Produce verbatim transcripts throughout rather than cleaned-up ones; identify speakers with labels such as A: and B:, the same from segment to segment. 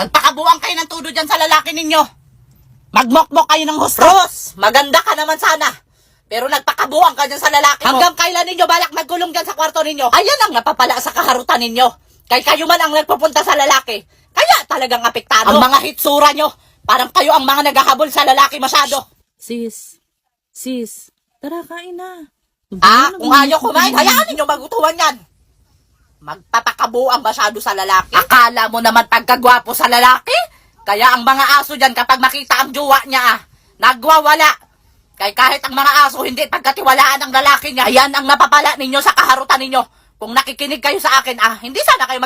A: Magpakabuang kayo ng tudo dyan sa lalaki ninyo. Magmokmok kayo ng husto. Ros, maganda ka naman sana. Pero nagpakabuang ka dyan sa lalaki mo. Hanggang kailan ninyo balak magkulong dyan sa kwarto ninyo? Ayan ang napapala sa kaharutan ninyo. Kay kayo man ang nagpupunta sa lalaki. Kaya talagang apektado. Ang mga hitsura nyo, parang kayo ang mga naghahabol sa lalaki masyado.
B: Sis, sis, tara kain na.
A: Ah, kung ayaw kumain, hayaan ninyo magutuhan yan. Magpapakabuang masyado sa lalaki. Akala mo naman pagkagwapo sa lalaki? Kaya ang mga aso dyan kapag makita ang jowa niya, ah, nagwawala. Kaya kahit ang mga aso hindi pagkatiwalaan ng lalaki niya, ayan ang napapala ninyo sa kaharutan ninyo. Kung nakikinig kayo sa akin, ah, hindi sana kayo mag...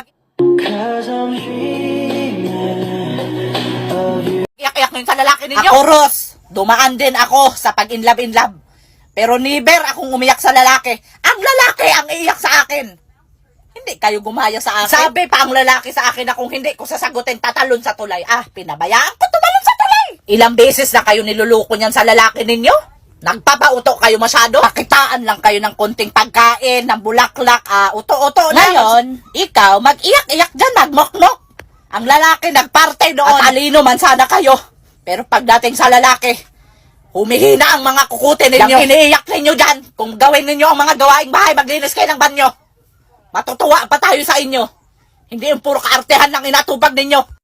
A: Iyak-iyak ngayon sa lalaki ninyo. Ako, Ros, dumaan din ako sa pag-inlove-inlove. Pero never akong umiyak sa lalaki. Ang lalaki ang iiyak sa akin. Hindi kayo gumaya sa akin. Sabi pa ang lalaki sa akin na kung hindi ko sasagutin, tatalon sa tulay. Ah, pinabayaan ko tumalon sa tulay. Ilang beses na kayo niluluko niyan sa lalaki ninyo? Nagpapauto kayo masyado? Pakitaan lang kayo ng konting pagkain, ng bulaklak, ah, uto-uto na. Ngayon, ikaw, mag-iyak-iyak dyan, magmokmok. Ang lalaki nagparte doon. At alino man sana kayo. Pero pagdating sa lalaki, humihina ang mga kukutin ninyo. Yung iniiyak ninyo dyan, kung gawin ninyo ang mga gawaing bahay, maglinis kayo ng banyo. Matutuwa pa tayo sa inyo. Hindi yung puro kaartehan lang inatubag ninyo.